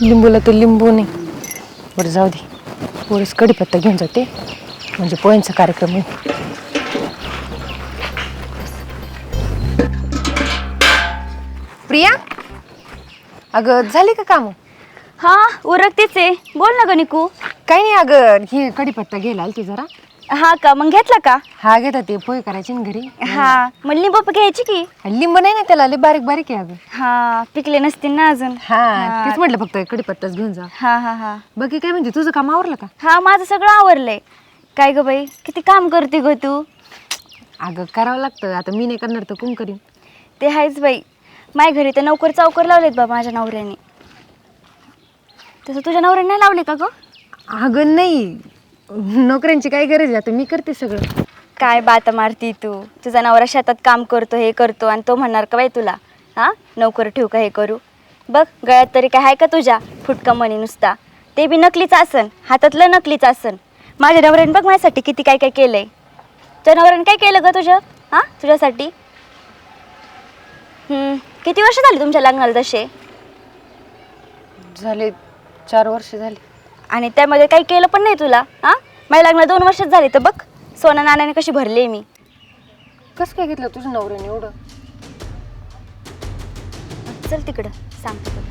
लिंबूला तर लिंबू नाही. बरं जाऊ दे, पोळीस कढीपत्ता घेऊन जाते म्हणजे पोळ्यांचा कार्यक्रम आहे. प्रिया, अगं झाली का काम? हा उरकतेच आहे. बोल ना ग निकू. काही नाही अगं, हे कढीपत्ता घ्यायला आलती जरा. हा का, मग घेतला का? हा घेता, ते पोहे करायचे ना घरी. हा मग लिंबू घ्यायची की. लिंबू नाही ना त्याला, लय बारीक बारीक आहे अगं. हा पिकले नसतील ना अजून. हा तेच म्हटलं, फक्त कढीपत्ताच घेऊन जा. हा हा हा बाकी काय म्हणजे, तुझं काम आवरलं का? हा माझं सगळं आवरलंय. काय ग बाई, किती काम करते ग तू. अगं करावं लागतं, आता मी नाही करणार तर कोण करीन. ते आहेच बाई. माझ्या घरी तर नोकर चौकर लावलेत बाबा माझ्या नवऱ्याने. तसं तुझ्या नवऱ्याने नाही लावले का ग? अगं नाही, नोकऱ्यांची काय गरज आहे, आता मी करते सगळं. काय बात मारती तू. तुझा नवरा शेतात काम करतो, हे करतो, आणि तो म्हणणार का बाई तुला हा नोकर ठेवू का, हे करू. बघ गळ्यात तरी काय आहे का तुझ्या फुटका मणी नुसता, ते बी नकलीच आसन, हातातलं नकलीच आसन. माझ्या नवऱ्याने बघ माझ्यासाठी किती काय काय केलंय. तुझ्या नवऱ्याने काय केलं ग तुझं, हा तुझ्यासाठी. किती वर्ष झाली तुमच्या लग्नाला तसे? झाले 4 वर्ष झाले. आणि त्यामध्ये काही केलं पण नाही तुला. हा माझ्या लग्नाला 2 वर्षच झाली, तर बघ सोना नाण्याने कशी भरली मी. कसं काय घेतलं तुझं नवऱ्याने एवढं? चल तिकडं सांगतो तुला.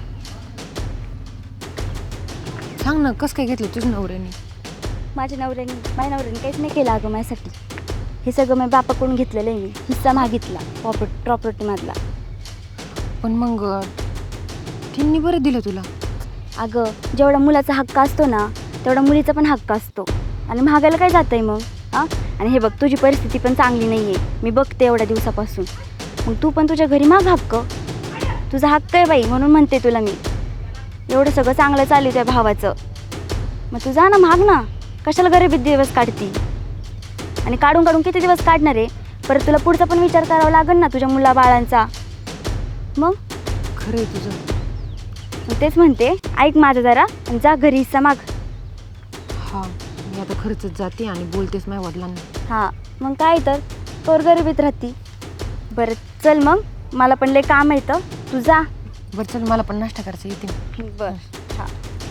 सांग ना, कसं काय घेतलं तुझं नवऱ्याने? माझ्या नवऱ्याने काहीच नाही केलं अगं माझ्यासाठी. हे सगळं मी बापाकडून घेतलेलं आहे. मी हिस्सा मागितला प्रॉपर्टीमधला. पण मग त्यांनी बरं दिलं तुला. अगं जेवढा मुलाचा हक्क असतो ना, तेवढा मुलीचा पण हक्क असतो. आणि महागायला काय जातं आहे मग. हां आणि हे बघ, तुझी परिस्थिती पण चांगली नाही आहे, मी बघते एवढ्या दिवसापासून. मग तू पण तुझ्या घरी माग हक्क. तुझा हक्क आहे बाई, म्हणून म्हणते तुला मी. एवढं सगळं चांगलं चालू त्या भावाचं, मग तू जा ना, माग ना. कशाला गरिबीत दिवस काढती. आणि काढून काढून किती दिवस काढणार आहे. परत तुला पुढचा पण विचार करावा लागेल ना तुझ्या मुला बाळांचा. मग खरं आहे तुझं. मग तेच म्हणते, ऐक माझं जरा आणि जा घरी हिस्सा माग. हां, मी आता खरंच जाते आणि बोलतेच माझ्या वडिलांना. हां मग काय तर तोर गरिबीत राहती. बरं चल मग, मला पण लय काम येतं, तू जा. बरं चल, मला पण नाश्ता करायचं, येते. बरं हां.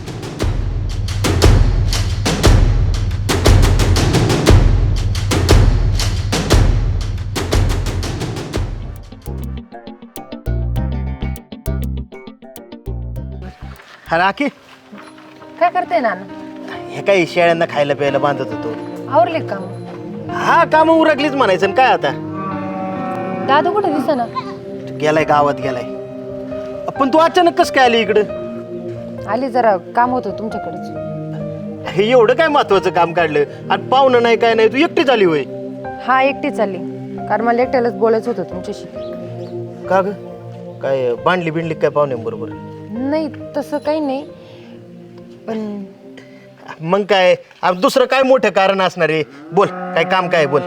हा राखी, काय करते नाना? हे काही शेळ्यांना खायला प्यायला बांधत होतो. आवरले काम? हा काम उरकलीच म्हणायचं ना, काय आता. दादा कुठे दिसेना? गेलाय, गावात गेलाय. पण तू अचानक कस काय आली इकडं? आले, जरा काम होतं तुमच्याकडेच. हे एवढं काय महत्वाचं काम काढलं आणि पाहुणं नाही काय नाही, तू एकटीच आली होय? हा एकटी चालली, कारण मला एकट्यालाच बोलायचं होतं तुमच्याशी. का ग, काय बांधली बिंडली काय पाहुण्यांबरोबर? नाही तसं काही नाही, पण मग काय दुसरं काय मोठं कारण असणार आहे? बोल, काय काम काय, बोल.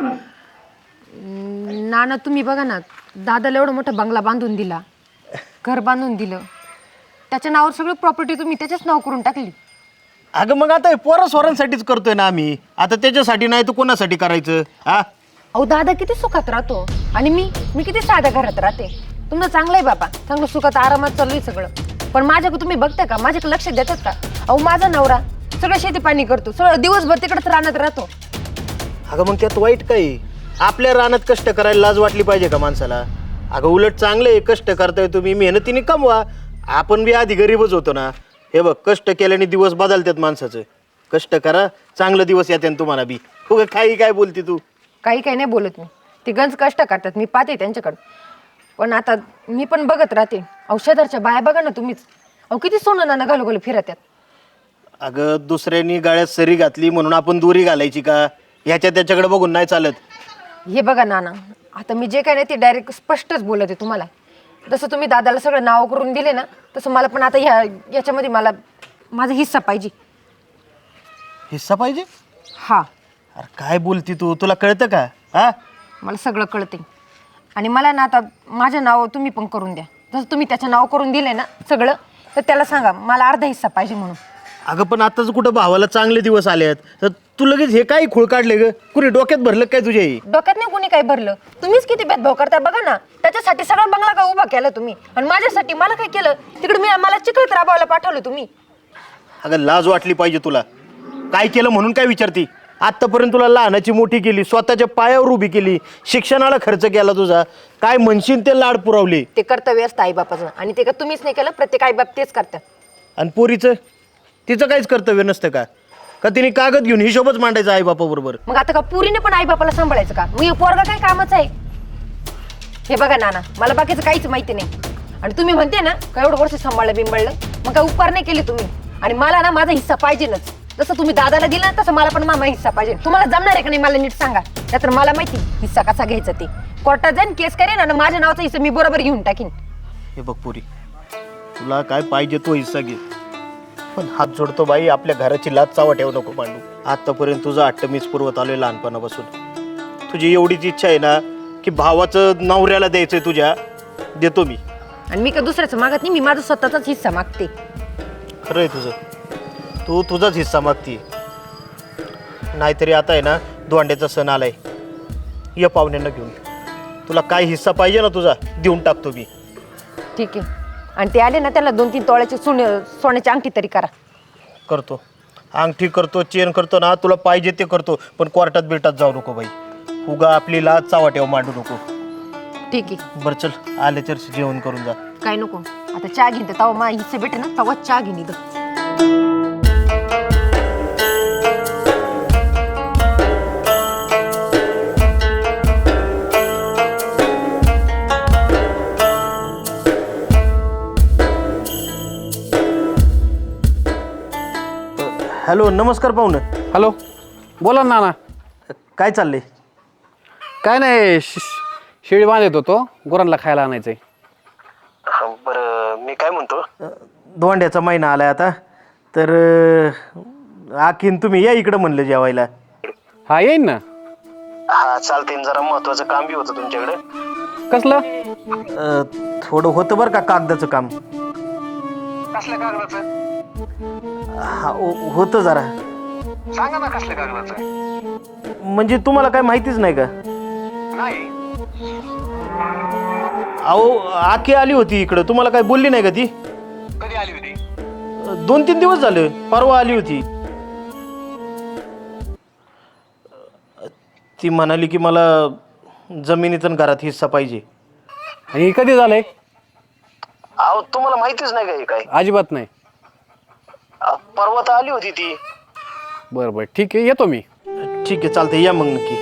नाना तुम्ही बघा ना, दादाला एवढा मोठा बंगला बांधून दिला, घर बांधून दिलं, त्याच्या नावावर सगळी प्रॉपर्टी तुम्ही त्याच्याच नाव करून टाकली. अगं मग आता पोरा स्वरांसाठीच करतोय ना आम्ही, आता त्याच्यासाठी नाही तर कोणासाठी करायचं? हा अहो दादा किती सुखात राहतो, आणि मी किती साध्या घरात राहते. तुमचं चांगलं आहे बाबा, चांगलं सुखात आरामात चालू आहे सगळं. पण माझ्याकडे तुम्ही बघताय का, माझ्याकडे लक्ष देतात का? अहो माझा नवरा सगळं शेती पाणी करतो, सगळं दिवसभर तिकडेच रानात राहतो. अगं मग त्यात वाईट काही? आपल्या रानात कष्ट करायला लाज वाटली पाहिजे का माणसाला? अगं उलट चांगले कष्ट करताय तुम्ही, मेहनतीने कमवा. आपण बी आधी गरीबच होतो ना. हे बघ, कष्ट केल्याने दिवस बदलतात माणसाचं. कष्ट करा, चांगलं दिवस येते तुम्हाला बी. हो काही काय बोलते तू? काही नाही बोलत मी, ते गंज कष्ट करतात, मी पाहते त्यांच्याकडं. पण आता मी पण बघत राहते. औषधाच्या बाया बघा ना तुम्हीच, अहो किती सोनं नाणं घालू फिरत्यात. अगं दुसऱ्यांनी गाळ्यात सरी घातली म्हणून आपण दोरी घालायची का? ह्याच्या त्याच्याकडे बघून नाही चालत. हे बघा नाना, आता मी जे काय नाही ते डायरेक्ट स्पष्टच बोलत आहे तुम्हाला. जसं तुम्ही दादाला सगळं नाव करून दिले ना, तसं मला पण आता याच्यामध्ये मला माझा हिस्सा पाहिजे. हिस्सा पाहिजे? हा. अरे काय बोलती तू, तुला कळतं का? हा मला सगळं कळते, आणि मला ना आता माझं नाव तुम्ही पण करून द्या. जसं तुम्ही त्याचं नाव करून दिले ना सगळं, तर त्याला सांगा मला अर्धा हिस्सा पाहिजे म्हणून. अगं पण आताच कुठं भावाला चांगले दिवस आले आहेत, तर तू लगेच हे काय खूळ काढले ग? कुणी डोक्यात भरलं काय तुझ्या हे? डोक्यात नाही कोणी काही भरलं. तुम्हीच किती भेदभाव करता बघा ना. त्याच्यासाठी सगळा बंगला का उभा केला तुम्ही, आणि माझ्यासाठी मला काय केलं? तिकडे मला चिखलात राबवायला पाठवलं तुम्ही. अगं लाज वाटली पाहिजे तुला. काय केलं म्हणून काय विचारती? आत्तापर्यंत तुला लहानाची मोठी केली, स्वतःच्या पायावर उभी केली, शिक्षणाला खर्च केला तुझा. काय म्हणशील ते लाड पुरवले. ते कर्तव्य असतं आईबापाचं, आणि ते का तुम्हीच नाही केलं? प्रत्येक आईबाप तेच करतात. आणि पोरीचं तिचं काहीच कर्तव्य नसतं का? का तिने कागद घेऊन हिशोबच मांडायचा आई बापाबरोबर? मग आता का पुरीने पण आईबापाला सांभाळायचं का? मग पोरगा काय कामाचं आहे? हे बघा नाना, मला बाकीचं काहीच माहिती नाही. आणि तुम्ही म्हणते ना का एवढं वर्ष सांभाळलं बिंबळलं, मग काय उपकार नाही केले तुम्ही. आणि मला ना माझा हिस्सा पाहिजेच. जसं तुम्ही दादाला दिला तसं मला पण मामा हिस्सा पाहिजे. तुम्हाला जमणार आहे का नाही मला नीट सांगा. त्यातर मला माहिती हिस्सा कसा घ्यायचा ते. कोर्टात जाईन, केस करेन, आणि माझ्या नावाचा हिस्सा मी बरोबर घेऊन टाकीन. हे बघ पोरी, तुला काय पाहिजे तो हिस्सा घे, पण हात जोडतो बाई, आपल्या घराची लाज चावा ठेवू नको मांडू. आतापर्यंत तुझं हट्ट मीच पुरवत आलोय लहानपणापासून. तुझी एवढीच इच्छा आहे ना की भावाचं नवऱ्याला द्यायचंय तुझ्या, देतो मी. आणि मी का दुसऱ्याचं मागत नाही, मी माझा स्वतःचाच हिस्सा मागते. खरं आहे तुझं, तू तुझाच हिस्सा मागती. नाहीतरी आता आहे ना दोंड्याचा सण आलाय, या पाहुण्यांना घेऊन. तुला काय हिस्सा पाहिजे ना तुझा, देऊन टाकतो मी. ठीक आहे. आणि ते आले ना, त्याला 2-3 तोळ्याची सोन्याची अंगठी तरी करा. करतो, अंगठी करतो, चेन करतो ना, तुला पाहिजे ते करतो. पण कोर्टात बिटात जाऊ नको बाई, उगा आपली लाज चावा ठेव मांडू नको. ठीक आहे. बरं चल, आले तर जेवण करून जा. काय नको, आता चहा घेईन. तेव्हा मला हिस्से भेटे ना, तेव्हा चहा घेईन इथं. हॅलो, नमस्कार पाहुणं. हॅलो, बोला ना नाना. काय चाललंय? काय नाही, शेळी बांधत होतो, गुरांना खायला आणायचंय. बरं, मी काय म्हणतो, धोंड्याचा महिना आलाय आता, तर आखीन तुम्ही या इकडं म्हणलं जेवायला. हा, येईन ना. हा चालते. जरा महत्वाचं काम बी होतं तुमच्याकडे. कसलं? थोडं होतं बरं का कागदाचं काम. कसल्या कागदाचं? हा होतं जरा. सांगा ना कसल्या कागदाचं? म्हणजे तुम्हाला काय माहितीच नाही का? नाही. अहो, आखी आली होती इकडं, तुम्हाला काय बोलली नाही का ती? कधी आली होती? 2-3 दिवस झाले, परवा आली होती. ती म्हणाली की मला जमिनीतून घरात हिस्सा पाहिजे. आणि हे कधी झालंय? अहो, तुम्हाला माहितीच नाही का हे काय? अजिबात नाही. परवा तर आली होती ती. बरं बरं, ठीक आहे, येतो मी. ठीक आहे, चालतंय, या मग नक्की.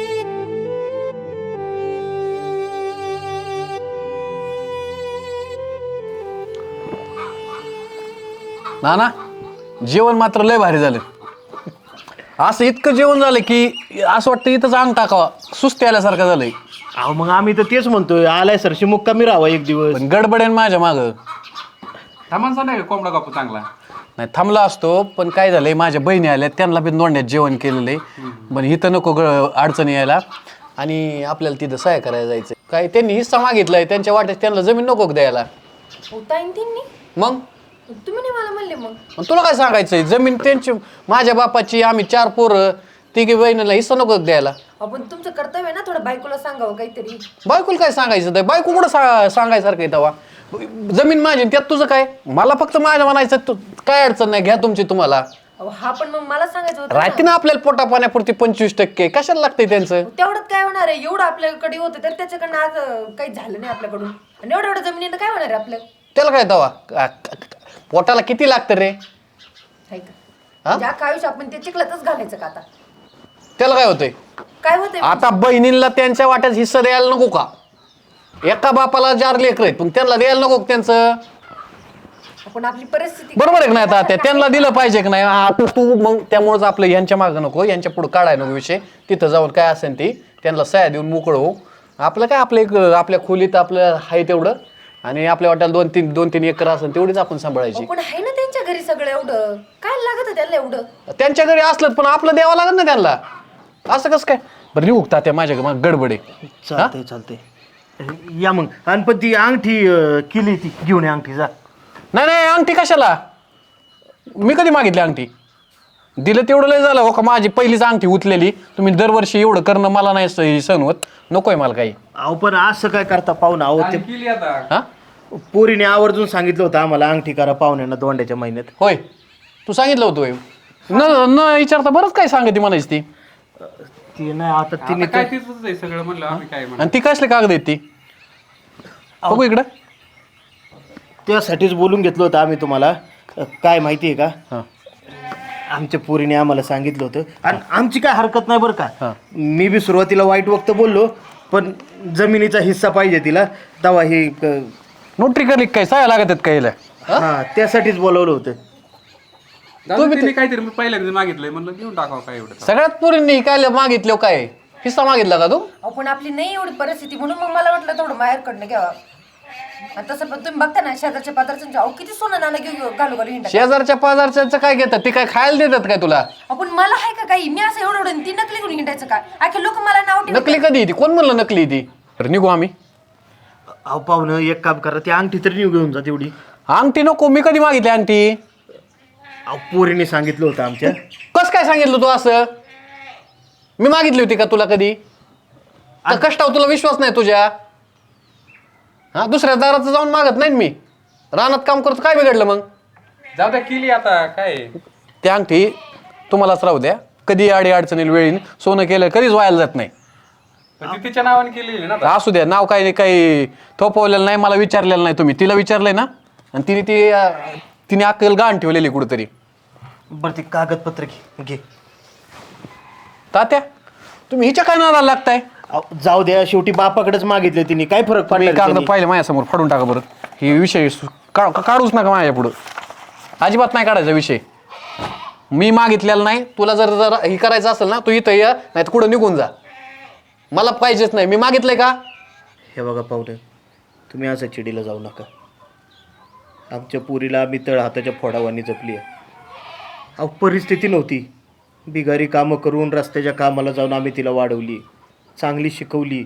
नाना, जेवण मात्र लय भारी झालं. असं इतकं जेवण झालं की असं वाटतं इथंच अंग टाकावा, सुस्ती आल्यासारखं झालंय. अहो, मग आम्ही तर तेच म्हणतोय, आलाय सरशी मुक्कामी राहावा एक दिवस. पण गडबडेन माझ्या मागं. थांबांचा नाही कोंबडा कापू चांगला. नाही, थांबला असतो, पण काय झालंय, माझ्या बहिणी आल्या, त्यांना बी नोंदण्यात जेवण केलेलं आहे. पण इथं नको अडचणी यायला, आणि आपल्याला तिथं सहाय्य करायला जायचं. काय त्यांनी हिस्सा मागितलाय, त्यांच्या वाट्यात त्यांना जमीन नको द्यायला. मग तुम्ही नाही मला म्हणले मग. मग तुला काय सांगायचंय, जमीन त्यांची, माझ्या बापाची, आम्ही 4 पोरं, तिघी बहिणीला हिस्सा नको द्यायला. आपण तुमचं कर्तव्य आहे ना, थोडं बायकोला सांगावं काहीतरी. बायकोला काय सांगायचं? तर बायको कुठं सांगायसारखं आहे तेव्हा? जमीन माझी, त्यात तुझं काय? मला फक्त माझ्या म्हणायचं, काय अडचण नाही, घ्या तुमची तुम्हाला. हा, पण मग मला सांगायचं होतं राहते ना आपल्याला पोटा पाण्यापुरती 25%, कशाला लागतंय त्यांचं? तेवढंच काय होणार आहे? एवढं आपल्याकडे होतं तर त्याच्याकडनं आज काही झालं नाही आपल्याकडून. आणि एवढं जमिनीनं काय होणार आहे आपलं? त्याला काय तेव्हा? पोटाला किती लागतं रे? ज्या आयुष्य आपण ते चिखलातच घालायचं का आता? त्याला काय होतंय? काय होतंय? आता बहिणींना त्यांच्या वाट्यात हिस्सा द्यायला नको का? एका बापाला 4 लेकरं आहेत, पण त्यांना द्यायला नको का त्यांचं? आपण आपली परिस्थिती बरोबर आहे की नाही? आता त्यांना दिलं पाहिजे की नाही? आता तू मग त्यामुळेच आपलं यांच्या मागं नको, यांच्या पुढे काढायला नको विषय. तिथं जाऊन काय असेल ती त्यांना सह्या देऊन मोकळं हो. आपलं काय, आपल्या खोलीत आपलं आहे तेवढं, आणि आपल्या वाट्याला 2-3 एकर असेल तेवढीच आपण सांभाळायची. पण आहे ना त्यांच्या घरी सगळं, एवढं काय लागत त्याला एवढं? त्यांच्या घरी असलं पण आपलं द्यावं लागत ना त्यांना. असं कसं काय? बरं, निघू त्या माझ्या गडबडे. चालतंय चालतंय, या मग. आणि पण ती अंगठी केली, ती घेऊन ये अंगठी, जा. नाही, अंगठी कशाला? मी कधी मागितली अंगठी? दिलं तेवढं लय झालं हो का, माझी पहिलीच अंगठी उचलेली, तुम्ही दरवर्षी एवढं करणं मला नाही सहन होत, नकोय मला काही. अहो पण असं काय करता पाहुणा? अहो ते केली आता. हा पोरीने आवर्जून सांगितलं होतं आम्हाला अंगठी करा पाहुण्यांना दोंड्याच्या महिन्यात. होय, तू सांगितलं होतं होय. न विचारता बरंच काय सांगते म्हणायची ती. ती नाही आता तिने काय तीच आहे सगळं म्हणलं आम्ही काय म्हणलं. आणि ती कसले कागद आहेत ती? बघू इकडं. त्यासाठीच बोलून घेतलं होतं आम्ही तुम्हाला. काय माहिती आहे का, हा आमच्या पोरीने आम्हाला सांगितलं होतं आणि आमची काय हरकत नाही बरं हा. का. मी बी सुरुवातीला वाईट वक्त बोललो, पण जमिनीचा हिस्सा पाहिजे तिला, तेव्हा हे नोटरी करली काय साया लागत आहेत काय हिला? हा त्यासाठीच बोलवलं होतं. तिने काहीतरी मी पहिल्यांदा मागितलंय म्हणलं घेऊन टाकावं काय एवढं. सगळ्यात पोरींनी काय मागितलं, काय हिस्सा मागितला का तू? अहो पण आपली नाही एवढी परिस्थिती, म्हणून मग मला वाटलं थोडं माहेरकडनं घ्यावं. आणि तसं पण तुम्ही बघता ना शेजारच्या पात्राचं, अहो किती सोनं नाणं घेऊन घालू घालू हिंडा. शेजारच्या पाजारच्या काय घेतात? ती काय खायला देतात काय तुला? आपण मला आहे का काही, मी असं एवढं एवढं ती नकली घेऊन हिंडायचं काय? आखे लोक मला नाव ठेवतात. नकली कधी ती? कोण म्हणलं नकली ती? तर निघू आम्ही. अहो पाहुणं एक काम करा, ती अंगठी तरी घेऊन जा तेवढी. अंगठी नको, मी कधी मागितली अंगठी? अहो पोरीने सांगितलं होतं आमच्या. कस काय सांगितलं तू असं? मी मागितली होती का तुला कधी? का कष्टावर तुला विश्वास नाही तुझ्या? हा दुसऱ्या दाराचं जाऊन मागत नाही मी, रानात काम करतो, काय बिघडलं मग? जाऊ द्या केली आता काय. ती अंगठी तुम्हालाच राहू द्या, कधी अडी अडचणीला वेळी सोनं केलं कधीच व्हायला जात नाही. पण ती तिच्या नावाने केलेली ना. असू द्या, नाव काही थोपवलेलं नाही, मला विचारलेलं नाही. तुम्ही तिला विचारलंय ना, आणि तिने अक्कल गाण ठेवलेली कुठंतरी. बरं ते कागदपत्र घे. तात्या तुम्ही हिच्या काय नादाला लागताय? अहो, जाऊ द्या, शेवटी बापाकडेच मागितले तिने, काय फरक मी पडला कागद त्यांनी? पाहिले माझ्यासमोर, फाडून टाका बरं. हे विषय काढूच नका माझ्या पुढं, अजिबात नाही काढायचा विषय. मी मागितलेला नाही. तुला जर हे करायचं असेल ना, तू इथं या, नाही तर कुठं निघून जा. मला पाहिजेच नाही. मी मागितलंय का? हे बघा पाहुणे, तुम्ही असं चिडीला जाऊ नका. आमच्या पुरीला आम्ही तळ हाताच्या फोडावानी जपली आहे. अहो परिस्थिती नव्हती, बिगारी कामं करून रस्त्याच्या कामाला जाऊन आम्ही तिला वाढवली, चांगली शिकवली,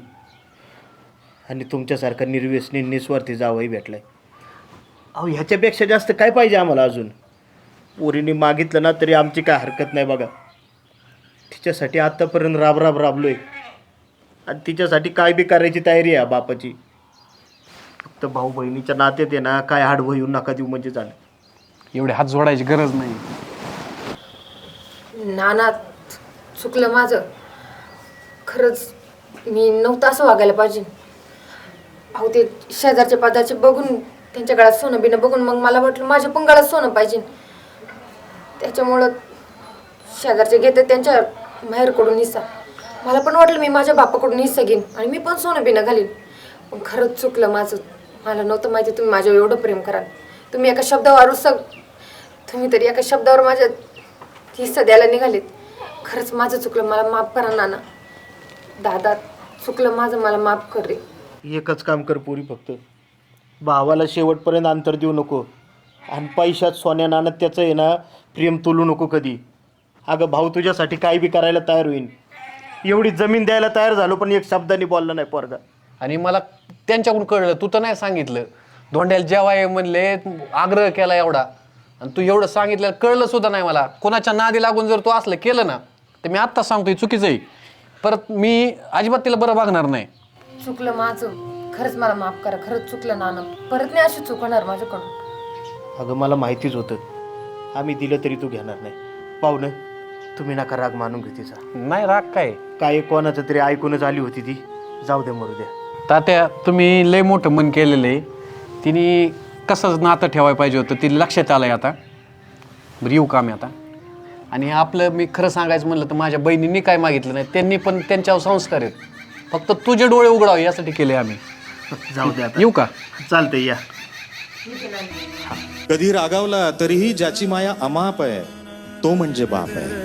आणि तुमच्यासारखा निर्व्यसनी निस्वार्थी जावंही भेटलाय. अहो ह्याच्यापेक्षा जास्त काय पाहिजे आम्हाला अजून? पोरीने मागितलं ना तरी आमची काय हरकत नाही बघा. तिच्यासाठी आत्तापर्यंत राबलोय, आणि तिच्यासाठी काय बी करायची तयारी आहे बापाची. फक्त भाऊ बहिणीच्या नात्यात आहे ना, काय आडवं येऊन नका देऊ म्हणजे झालं. एवढे हात जोडायची गरज नाही. नाना चुकलं माझं, खरंच मी नव्हतं असं वागायला पाहिजे. अहो ते शेजारचे पाजारचे बघून, त्यांच्या गळ्यात सोनं बिनं बघून मग मला वाटलं माझ्या पण गळ्यात सोनं पाहिजे. त्याच्यामुळं शेजारचे घेते त्यांच्या माहेरकडून हिस्सा, मला पण वाटलं मी माझ्या बापाकडून हिस्सा घेईन आणि मी पण सोनं बिनं घालीन. पण खरंच चुकलं माझं. मला नव्हतं माहिती तुम्ही माझ्यावर एवढं प्रेम कराल. तुम्ही एका शब्दावर तुम्ही तरी एका शब्दावर माझ्या हिस्सा द्यायला निघालेत. खरंच माझं चुकलं, मला माफ करा नाना. दादा चुकलं माझं, मला माफ कर रे. एकच काम कर पोरी, फक्त भावाला शेवटपर्यंत अंतर देऊ नको, आणि पैशात सोन्या नाणं त्याचं आहे ना प्रेम तोलू नको कधी. अगं भाऊ तुझ्यासाठी काय बी करायला तयार होईल, एवढी जमीन द्यायला तयार झालो, पण एक शब्दाने बोलला नाही पोरगा. आणि मला त्यांच्याकडून कळलं, तू तर नाही सांगितलं. धोंड्याला जेवाय म्हणले, आग्रह केला एवढा, आणि तू एवढं सांगितलं कळलं सुद्धा नाही मला. कोणाच्या नादी लागून जर तू असलं केलं ना, तर मी आत्ताच सांगतोय चुकीचं आहे. परत मी अजिबात तिला बरं बघणार नाही. चुकलं माझं, खरंच मला माफ करा. खरंच चुकलं नाना, परत नाही अशी चुकणार माझ्याकडून. अगं मला माहितीच होतं, आम्ही दिलं तरी तू घेणार नाही. पाहुणं तुम्ही नका राग मानून घे तिचा. नाही राग काय कोणाचं तरी ऐकूनच आली होती ती, जाऊ दे मरू द्या. तात्या तुम्ही लय मोठं मन केलेलं आहे. तिने कसं नातं ठेवायला पाहिजे होतं ती लक्षात आलंय आता. बरं येऊ का मी आता? आणि आपलं मी खरं सांगायचं म्हणलं तर माझ्या बहिणींनी काय मागितलं नाही, त्यांनी पण त्यांच्यावर संस्कार आहेत. फक्त तुझे डोळे उघडावे यासाठी केले आम्ही. जाऊ द्या येऊ का? चालतंय या. कधी रागावला तरीही ज्याची माया अमाप आहे तो म्हणजे बाप आहे.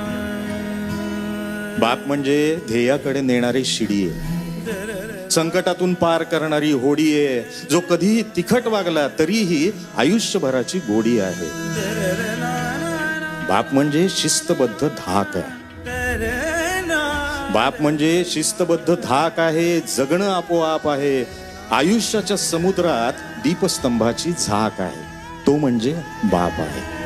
बाप म्हणजे ध्येयाकडे नेणारी शिडी आहे, संकटातून पार करणारी होडी आहे, जो कधी तिखट वागला तरीही आयुष्यभराची गोडी आहे. बाप म्हणजे शिस्तबद्ध धाक आहे. बाप म्हणजे शिस्तबद्ध धाक आहे, जगणं आपोआप आहे. आयुष्याच्या समुद्रात दीपस्तंभाची झाक आहे, तो म्हणजे बाप आहे.